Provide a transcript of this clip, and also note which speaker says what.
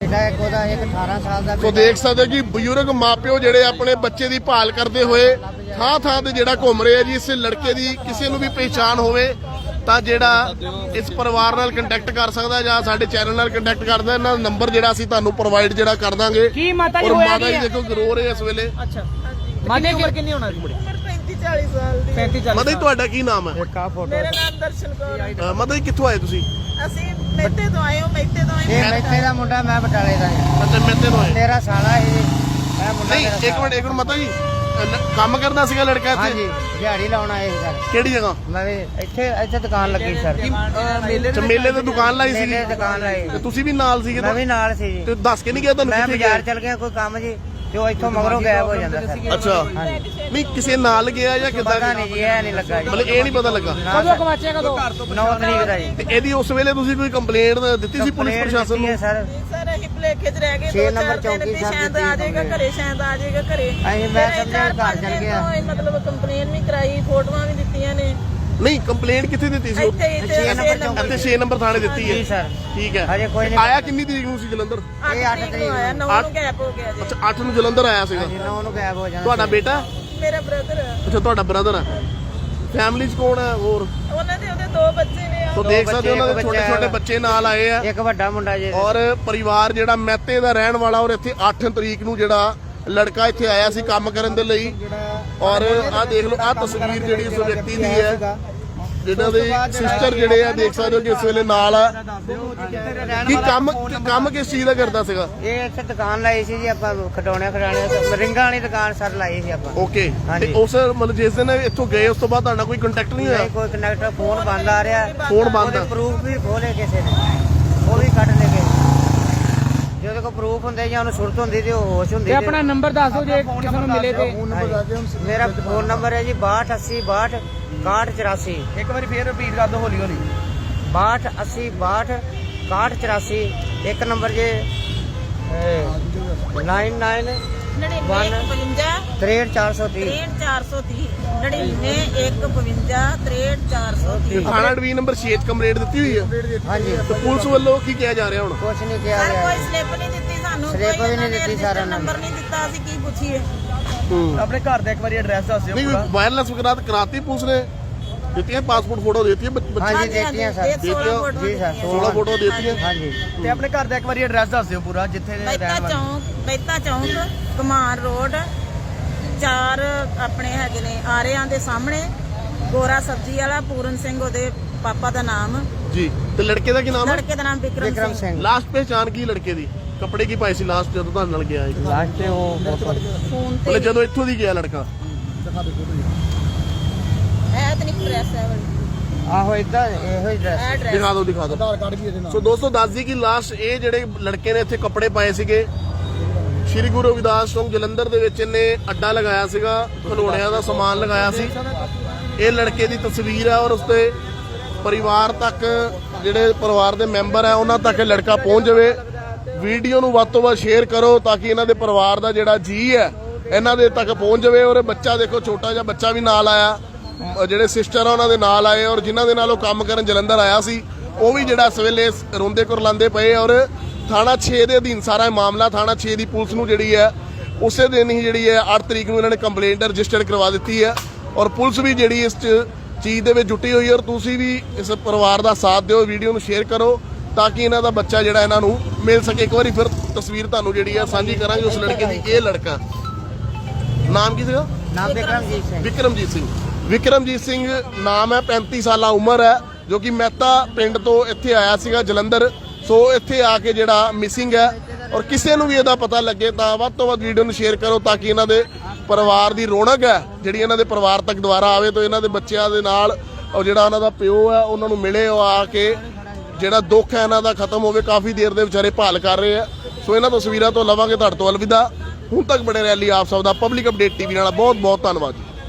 Speaker 1: ਇਹਦਾ ਇੱਕ ਉਹਦਾ ਇੱਕ 18 ਸਾਲ ਦਾ।
Speaker 2: ਸੋ ਦੇਖ ਸਕਦੇ ਕਿ ਬਜ਼ੁਰਗ ਮਾਪਿਓ ਜਿਹੜੇ ਆਪਣੇ ਬੱਚੇ ਦੀ ਭਾਲ ਕਰਦੇ ਹੋਏ ਥਾਂ ਥਾਂ ਤੇ ਜਿਹੜਾ ਘੁੰਮ ਰਹੇ ਆ ਜੀ। ਇਸ ਲੜਕੇ ਦੀ ਕਿਸੇ ਨੂੰ ਵੀ ਪਹਿਚਾਣ ਹੋਵੇ ਤਾਂ ਜਿਹੜਾ ਇਸ ਪਰਿਵਾਰ ਨਾਲ ਕੰਟੈਕਟ ਕਰ ਸਕਦਾ ਜਾਂ ਸਾਡੇ ਚੈਨਲ ਨਾਲ ਕੰਟੈਕਟ ਕਰਦਾ। ਇਹਨਾਂ ਦਾ ਨੰਬਰ ਜਿਹੜਾ ਅਸੀਂ ਤੁਹਾਨੂੰ ਪ੍ਰੋਵਾਈਡ ਜਿਹੜਾ ਕਰ ਦਾਂਗੇ।
Speaker 3: ਕੀ ਮਾਤਾ ਜੀ
Speaker 2: ਔਰ
Speaker 3: ਹੋਇਆ
Speaker 2: ਮਾਤਾ ਜੀ ਦੇਖੋ ਰੋ ਰਹੇ ਇਸ ਵੇਲੇ।
Speaker 3: ਅੱਛਾ ਮਾਤਾ ਦੀ ਉਮਰ ਕਿੰਨੀ ਹੋਣਾ ਜੀ?
Speaker 4: 35-40 ਸਾਲ ਦੀ।
Speaker 3: 35-40।
Speaker 2: ਮਾਤਾ ਜੀ ਤੁਹਾਡਾ ਕੀ ਨਾਮ ਹੈ?
Speaker 4: ਮੇਰਾ ਨਾਮ ਦਰਸ਼ਨ ਕੌਰ ਹੈ।
Speaker 2: ਮਾਤਾ ਜੀ ਕਿੱਥੋਂ ਆਏ ਤੁਸੀਂ?
Speaker 4: ਅਸੀਂ ਮੇਤੇ ਤੋਂ ਆਏ ਹਾਂ, ਮੇਤੇ ਤੋਂ ਆਏ
Speaker 1: ਇਹ ਮੈਥੇ ਦਾ ਮੁੰਡਾ, ਮੈਂ ਬਟਾਲੇ ਦਾ ਹਾਂ।
Speaker 2: ਅੱਛਾ ਮੇਤੇ ਤੋਂ ਆਏ।
Speaker 1: ਤੇਰਾ ਸਾਲਾ ਇਹ ਮੈਂ ਮੁੰਡਾ।
Speaker 2: ਨਹੀਂ ਇੱਕ ਮਿੰਟ ਮਾਤਾ ਜੀ, ਕੰਮ ਕਰਦਾ ਸੀਗਾ ਲੜਕਾ ਇੱਥੇ?
Speaker 1: ਹਾਂਜੀ, ਦਿਹਾੜੀ ਲਾਉਣ ਆਏ ਸੀ ਸਰ।
Speaker 2: ਕਿਹੜੀ ਜਗ੍ਹਾ?
Speaker 1: ਮੈਂ ਵੀ ਇੱਥੇ ਦੁਕਾਨ ਲੱਗੀ ਸਰ।
Speaker 2: ਮੇਲੇ ਤੇ ਦੁਕਾਨ ਲਾਈ ਸੀ?
Speaker 1: ਮੇਲੇ ਦੁਕਾਨ ਲਾਈ।
Speaker 2: ਤੇ ਤੁਸੀਂ ਵੀ ਨਾਲ ਸੀਗੇ?
Speaker 1: ਮੈਂ ਵੀ ਨਾਲ ਸੀ ਜੀ।
Speaker 2: ਤੇ ਦੱਸ ਕੇ ਨਹੀਂ ਗਿਆ ਤੁਹਾਨੂੰ?
Speaker 1: ਮੈਂ
Speaker 2: ਕਿੱਥੇ
Speaker 1: ਬਾਜ਼ਾਰ
Speaker 2: ਗਏ?
Speaker 1: ਚਲ ਗਿਆ ਕੋਈ ਕੰਮ ਜੀ, ਤੇ ਉਹ ਇੱਥੋਂ ਮਗਰੋਂ ਗਾਇਬ ਹੋ ਜਾਂਦਾ ਸਰ।
Speaker 2: ਅੱਛਾ ਨਹੀਂ ਕਿਸੇ ਨਾਲ ਗਿਆ ਜਾਂ ਕਿੱਦਾਂ?
Speaker 1: ਪਤਾ ਨਹੀਂ ਜੀ, ਇਹ ਨਹੀਂ ਲੱਗਾ ਜੀ।
Speaker 2: ਮਤਲਬ ਇਹ ਨਹੀਂ ਪਤਾ ਲੱਗਾ।
Speaker 3: ਕਦੋਂ ਕਮਾਚੇ ਕਦੋਂ?
Speaker 1: 9 ਤਰੀਕ ਦਾ ਜੀ।
Speaker 2: ਤੇ ਇਹਦੀ ਉਸ ਵੇਲੇ ਤੁਸੀਂ ਕੋਈ ਕੰਪਲੇਂਟ ਦਿੱਤੀ ਸੀ ਪੁਲਿਸ ਪ੍ਰਸ਼ਾਸਨ ਨੂੰ?
Speaker 1: ਸਰ
Speaker 4: ਸਰ ਅਸੀਂ ਭੁਲੇਖੇ 'ਚ ਰਹਿ ਗਏ।
Speaker 1: 6
Speaker 4: ਦੋ
Speaker 1: ਨੰਬਰ
Speaker 4: ਚਾਰ ਦਿਨ
Speaker 1: ਚੌਂਕੀ
Speaker 4: ਦੀ
Speaker 1: ਸਾਹਿਬ
Speaker 4: ਸ਼ਾਇਦ ਆ ਜਾਏਗਾ ਘਰੇ, ਸ਼ਾਇਦ ਆ ਜਾਏਗਾ ਘਰੇ।
Speaker 1: ਅਸੀਂ ਮੈਂ ਸਮਝਿਆ ਘਰ ਚਲ ਗਿਆ।
Speaker 4: ਮਤਲਬ ਕੰਪਲੇਨ ਵੀ ਕਰਾਈ, ਫੋਟੋਆਂ ਵੀ ਦਿੱਤੀਆਂ ਨੇ।
Speaker 2: ਨਹੀਂ ਕੰਪਲੇਂਟ ਕਿੱਥੇ ਦਿੱਤੀ ਸੀ?
Speaker 4: ਇੱਥੇ
Speaker 2: 6 ਨੰਬਰ ਥਾਣੇ ਦਿੱਤੀ ਹੈ?
Speaker 1: ਜੀ ਸਰ।
Speaker 2: ਠੀਕ ਹੈ।
Speaker 1: ਹਜੇ ਕੋਈ ਨਹੀਂ
Speaker 2: ਆਇਆ ਕਿੰਨੀ ਤਰੀਕ ਨੂੰ ਸੀ ਜਲੰਧਰ?
Speaker 4: ਇਹ 8 ਤਰੀਕ ਨੂੰ ਆਇਆ, 9 ਨੂੰ ਗੈਪ ਹੋ ਗਿਆ ਜੀ।
Speaker 2: ਅੱਛਾ 8 ਨੂੰ ਜਲੰਧਰ ਆਇਆ ਸੀਗਾ।
Speaker 1: 9 ਨੂੰ ਗਾਇਬ ਹੋ ਜਾਂਦਾ।
Speaker 2: ਤੁਹਾਡਾ ਬੇਟਾ?
Speaker 4: ਮੇਰਾ ਬ੍ਰਦਰ ਹੈ।
Speaker 2: ਅੱਛਾ ਤੁਹਾਡਾ ਬ੍ਰਦਰ ਹੈ। ਫੈਮਿਲੀ 'ਚ ਕੌਣ ਹੈ ਹੋਰ?
Speaker 4: ਉਹਨਾਂ ਦੇ ਉਹਦੇ 2 ਬੱਚੇ ਨੇ।
Speaker 2: ਸੋ ਦੇਖ ਸਕਦੇ ਹੋ ਉਹਨਾਂ ਦੇ ਛੋਟੇ ਛੋਟੇ ਬੱਚੇ ਨਾਲ ਆਏ ਆ।
Speaker 1: ਇੱਕ ਵੱਡਾ ਮੁੰਡਾ ਜੀ।
Speaker 2: ਔਰ ਪਰਿਵਾਰ ਜਿਹੜਾ ਮਹਿਤੇ ਦਾ ਰਹਿਣ ਵਾਲਾ, ਔਰ ਇੱਥੇ 8 ਤਰੀਕ ਨੂੰ ਜਿਹੜਾ ਲੜਕਾ ਇੱਥੇ ਆਇਆ ਸੀ ਕੰਮ ਕਰਨ ਦੇ ਲਈ। ਔਰ ਆਹ ਦੇਖ ਲਓ ਆਹ ਤਸਵੀਰ ਜਿਹੜੀ ਉਸ ਵਿਅਕਤੀ ਦੀ ਹੈ, ਜਿਨ੍ਹਾਂ ਦੇ ਸਿਸਟਰ ਜਿਹੜੇ ਆ ਦੇਖ ਸਕਦੇ ਹੋ ਕਿ ਇਸ ਵੇਲੇ ਨਾਲ ਆ। ਕੀ ਕੰਮ ਕਿਸ ਚੀਜ਼ ਦਾ ਕਰਦਾ ਸੀਗਾ?
Speaker 1: ਇਹ ਇੱਥੇ ਦੁਕਾਨ ਲਾਈ ਸੀ ਜੀ ਆਪਾਂ, ਖਡਾਉਣੇ ਰਿੰਗਾਂ ਵਾਲੀ ਦੁਕਾਨ ਸਰ ਲਾਈ ਸੀ ਆਪਾਂ।
Speaker 2: ਓਕੇ।
Speaker 1: ਹਾਂਜੀ।
Speaker 2: ਤੇ ਉਸ ਮਤਲਬ ਜਿਸ ਦਿਨ ਇੱਥੋਂ ਗਏ ਉਸ ਤੋਂ ਬਾਅਦ ਤੁਹਾਡਾ ਕੋਈ ਕੰਟੈਕਟ ਨਹੀਂ ਹੋਇਆ?
Speaker 1: ਨਹੀਂ ਕੋਈ ਕਨੈਕਟਰ, ਫੋਨ ਬੰਦ ਆ ਰਿਹਾ।
Speaker 2: ਫੋਨ ਬੰਦ ਆ।
Speaker 1: ਪ੍ਰੂਫ ਵੀ ਖੋਲੇ ਕਿਸੇ ਨੇ, ਉਹ ਵੀ ਕੱਢ ਲੈ ਗਏ। ਜਦੋਂ ਕੋਈ ਪ੍ਰੂਫ ਹੁੰਦੇ ਜਾਂ ਉਹਨੂੰ ਸੁਰਤ ਹੁੰਦੀ ਤੇ ਉਹ ਹੋਸ਼ ਹੁੰਦੀ।
Speaker 3: ਤੇ ਆਪਣਾ ਨੰਬਰ ਦੱਸ ਦਿਓ ਜੇ ਕਿਸੇ ਨੂੰ ਮਿਲੇ ਤੇ।
Speaker 1: ਮੇਰਾ ਫੋਨ ਨੰਬਰ ਹੈ ਜੀ 6280 62 6184।
Speaker 3: ਇੱਕ ਵਾਰੀ ਫੇਰ ਰਿਪੀਟ ਕਰ ਦਿਓ ਹੌਲੀ ਹੌਲੀ।
Speaker 1: 6280 62 6184। ਇੱਕ ਨੰਬਰ ਜੇ 99 63430
Speaker 4: 63430 991553
Speaker 2: ਥਾਣਾ ਡਿਵੀਜ਼ਨ ਨੰਬਰ 6 'ਚ ਕੰਪਲੇਂਟ ਦਿੱਤੀ ਹੋਈ ਹੈ?
Speaker 1: ਹਾਂਜੀ।
Speaker 2: ਤੇ ਪੁਲਿਸ ਵੱਲੋਂ ਕੀ ਕਿਹਾ ਜਾ ਰਿਹਾ ਹੁਣ?
Speaker 1: ਕੁਛ ਨਹੀਂ ਕਿਹਾ
Speaker 4: ਸਰ
Speaker 1: ਗਿਆ।
Speaker 4: ਕੋਈ ਸਲਿੱਪ ਨਹੀਂ ਦਿੱਤੀ ਸਾਨੂੰ,
Speaker 1: ਸਲਿੱਪ ਵੀ ਨਹੀਂ ਦਿੱਤੀ ਸਰ।
Speaker 4: ਨੰਬਰ ਨਹੀਂ ਦਿੱਤਾ, ਅਸੀਂ ਕੀ ਪੁੱਛੀਏ?
Speaker 3: ਆਪਣੇ ਘਰ ਦਾ ਇੱਕ ਵਾਰੀ ਐਡਰੈਸ ਦੱਸ ਦਿਓ
Speaker 2: ਨਹੀਂ
Speaker 3: ਪੂਰਾ।
Speaker 2: ਵਾਇਰਲੈਸ ਵਗੈਰਾ ਕਰਾਤੀ ਪੁਲਿਸ ਨੇ? ਦਿੱਤੀਆਂ ਪਾਸਪੋਰਟ ਫੋਟੋ ਦਿੱਤੀਆਂ ਬੱਚੇ?
Speaker 1: ਹਾਂਜੀ ਦਿੱਤੀਆਂ ਸਰ।
Speaker 4: ਇਹ 16 ਫੋਟੋ
Speaker 1: ਜੀ ਸਰ
Speaker 2: 16 ਫੋਟੋ ਦਿੱਤੀਆਂ।
Speaker 1: ਹਾਂਜੀ।
Speaker 3: ਤੇ ਆਪਣੇ ਘਰ ਦਾ ਇੱਕ ਵਾਰੀ ਐਡਰੈਸ ਦੱਸ ਦਿਓ ਪੂਰਾ, ਜਿੱਥੇ ਦੇ ਰਹਿਣ ਵਾਲੇ।
Speaker 4: ਬੈਤਾ ਚੌਂਕ ਕਮਾਨ ਰੋਡ 4 ਆਪਣੇ ਹੈਗੇ ਨੇ ਆਰਿਆਂ ਦੇ ਸਾਹਮਣੇ। ਗੋਰਾ ਸਬਜ਼ੀ ਵਾਲਾ, ਪੂਰਨ ਸਿੰਘ ਉਹਦੇ ਪਾਪਾ ਦਾ ਨਾਮ
Speaker 2: ਜੀ। ਤੇ ਲੜਕੇ ਦਾ ਕੀ ਨਾਮ ਹੈ?
Speaker 4: ਲੜਕੇ ਦਾ ਨਾਮ
Speaker 1: ਵਿਕਰਮ
Speaker 4: ਵਿਕਰਮ ਸਿੰਘ।
Speaker 1: ਸਿੰਘ।
Speaker 2: ਲਾਸਟ ਪਹਿਚਾਣ ਕੀ ਲੜਕੇ ਦੀ? ਕੱਪੜੇ ਕੀ ਪਾਏ ਸੀ ਲਾਸਟ ਜਦੋਂ ਤੁਹਾਡੇ ਨਾਲ ਗਿਆ?
Speaker 1: ਲਾਸਟ ਤੇ ਉਹ
Speaker 4: ਫੋਨ ਤੇ
Speaker 2: ਮਤਲਬ ਜਦੋਂ ਇੱਥੋਂ ਦੀ ਗਿਆ ਲੜਕਾ?
Speaker 4: ਇਹ ਤਾਂ ਨਹੀਂ ਪ੍ਰੈਸ ਹੈ ਵਾਲੀ
Speaker 1: ਆਹੋ ਇਦਾਂ ਇਹੋ ਹੀ ਡਰੈਸ।
Speaker 4: ਐਡਰੈਸ
Speaker 2: ਦਿਖਾ ਦਿਓ ਦਿਖਾ ਦਿਓ। ਸੋ ਦੋਸਤੋ ਦੱਸ ਦਈਏ ਕਿ ਲਾਸਟ ਇਹ ਜਿਹੜੇ ਲੜਕੇ ਨੇ ਇੱਥੇ ਕੱਪੜੇ ਪਾਏ ਸੀਗੇ, ਸ਼੍ਰੀ ਗੁਰੂ ਰਵਿਦਾਸ ਚੌਂਕ ਜਲੰਧਰ ਦੇ ਵਿੱਚ ਇਹਨੇ ਅੱਡਾ ਲਗਾਇਆ ਸੀਗਾ, ਖਿਡੌਣਿਆਂ ਦਾ ਸਮਾਨ ਲਗਾਇਆ ਸੀ। ਇਹ ਲੜਕੇ ਦੀ ਤਸਵੀਰ ਹੈ ਔਰ ਉਸਦੇ ਪਰਿਵਾਰ ਤੱਕ, ਜਿਹੜੇ ਪਰਿਵਾਰ ਦੇ ਮੈਂਬਰ ਹੈ ਉਹਨਾਂ ਤੱਕ ਇਹ ਲੜਕਾ ਪਹੁੰਚ ਜਾਵੇ। ਵੀਡੀਓ ਨੂੰ ਵੱਧ ਤੋਂ ਵੱਧ ਸ਼ੇਅਰ ਕਰੋ ਤਾਂ ਕਿ ਇਹਨਾਂ ਦੇ ਪਰਿਵਾਰ ਦਾ ਜਿਹੜਾ ਜੀ ਹੈ ਇਹਨਾਂ ਦੇ ਤੱਕ ਪਹੁੰਚ ਜਾਵੇ। ਔਰ ਬੱਚਾ ਦੇਖੋ, ਛੋਟਾ ਜਿਹਾ ਬੱਚਾ ਵੀ ਨਾਲ ਆਇਆ, ਜਿਹੜੇ ਸਿਸਟਰ ਆ ਉਹਨਾਂ ਦੇ ਨਾਲ ਆਏ, ਔਰ ਜਿਨ੍ਹਾਂ ਦੇ ਨਾਲ ਉਹ ਕੰਮ ਕਰਨ ਜਲੰਧਰ ਆਇਆ ਸੀ ਉਹ ਵੀ ਜਿਹੜਾ ਇਸ ਵੇਲੇ ਰੋਂਦੇ ਕੁਰਲਾਉਂਦੇ ਪਏ। ਔਰ ਥਾਣਾ 6 ਦੇ ਅਧੀਨ ਸਾਰਾ ਇਹ ਮਾਮਲਾ, ਥਾਣਾ 6 ਦੀ ਪੁਲਿਸ ਨੂੰ ਜਿਹੜੀ ਹੈ ਉਸੇ ਦਿਨ ਹੀ ਜਿਹੜੀ ਹੈ 8 ਤਰੀਕ ਨੂੰ ਇਹਨਾਂ ਨੇ ਕੰਪਲੇਂਟ ਰਜਿਸਟਰਡ ਕਰਵਾ ਦਿੱਤੀ ਹੈ। ਔਰ ਪੁਲਿਸ ਵੀ ਜਿਹੜੀ ਇਸ ਚੀਜ਼ ਦੇ ਵਿੱਚ ਜੁਟੀ ਹੋਈ ਹੈ। ਔਰ ਤੁਸੀਂ ਵੀ ਇਸ ਪਰਿਵਾਰ ਦਾ ਸਾਥ ਦਿਓ, ਵੀਡੀਓ ਨੂੰ ਸ਼ੇਅਰ ਕਰੋ ਤਾਂ ਕਿ ਇਹਨਾਂ ਦਾ ਬੱਚਾ ਜਿਹੜਾ ਇਹਨਾਂ ਨੂੰ ਮਿਲ ਸਕੇ। ਇੱਕ ਵਾਰੀ ਫਿਰ ਤਸਵੀਰ ਤੁਹਾਨੂੰ ਜਿਹੜੀ ਹੈ ਸਾਂਝੀ ਕਰਾਂਗੇ ਉਸ ਲੜਕੇ ਦੀ। ਇਹ ਲੜਕਾ ਨਾਮ ਕੀ ਸੀਗਾ?
Speaker 1: ਨਾਮ ਵਿਕਰਮਜੀਤ ਸਿੰਘ।
Speaker 2: ਵਿਕਰਮਜੀਤ ਸਿੰਘ। ਵਿਕਰਮਜੀਤ ਸਿੰਘ ਨਾਮ ਹੈ, 35 ਸਾਲਾ ਉਮਰ ਹੈ, ਜੋ ਕਿ ਮਹਿਤਾ ਪਿੰਡ ਤੋਂ ਇੱਥੇ ਆਇਆ ਸੀਗਾ ਜਲੰਧਰ। ਸੋ ਇੱਥੇ ਆ ਕੇ ਜਿਹੜਾ ਮਿਸਿੰਗ ਹੈ। ਔਰ ਕਿਸੇ ਨੂੰ ਵੀ ਇਹਦਾ ਪਤਾ ਲੱਗੇ ਤਾਂ ਵੱਧ ਤੋਂ ਵੱਧ ਵੀਡੀਓ ਨੂੰ ਸ਼ੇਅਰ ਕਰੋ ਤਾਂ ਕਿ ਇਹਨਾਂ ਦੇ ਪਰਿਵਾਰ ਦੀ ਰੌਣਕ ਹੈ ਜਿਹੜੀ ਇਹਨਾਂ ਦੇ ਪਰਿਵਾਰ ਤੱਕ ਦੁਬਾਰਾ ਆਵੇ, ਤਾਂ ਇਹਨਾਂ ਦੇ ਬੱਚਿਆਂ ਦੇ ਨਾਲ ਔਰ ਜਿਹੜਾ ਉਹਨਾਂ ਦਾ ਪਿਓ ਹੈ ਉਹਨਾਂ ਨੂੰ ਮਿਲੇ, ਉਹ ਆ ਕੇ ਜਿਹੜਾ ਦੁੱਖ ਹੈ ਇਹਨਾਂ ਦਾ ਖਤਮ ਹੋਵੇ। ਕਾਫੀ ਦੇਰ ਦੇ ਵਿਚਾਰੇ ਭਾਲ ਕਰ ਰਹੇ ਆ। ਸੋ ਇਹਨਾਂ ਤਸਵੀਰਾਂ ਤੋਂ ਲਵਾਂਗੇ ਤੁਹਾਡੇ ਤੋਂ ਅਲਵਿਦਾ। ਹੁਣ ਤੱਕ ਬਣੇ ਰਹਿ ਲਈ ਆਪ ਸਭ ਦਾ ਪਬਲਿਕ ਅਪਡੇਟ ਟੀਵੀ ਨਾਲ ਬਹੁਤ ਬਹੁਤ ਧੰਨਵਾਦ।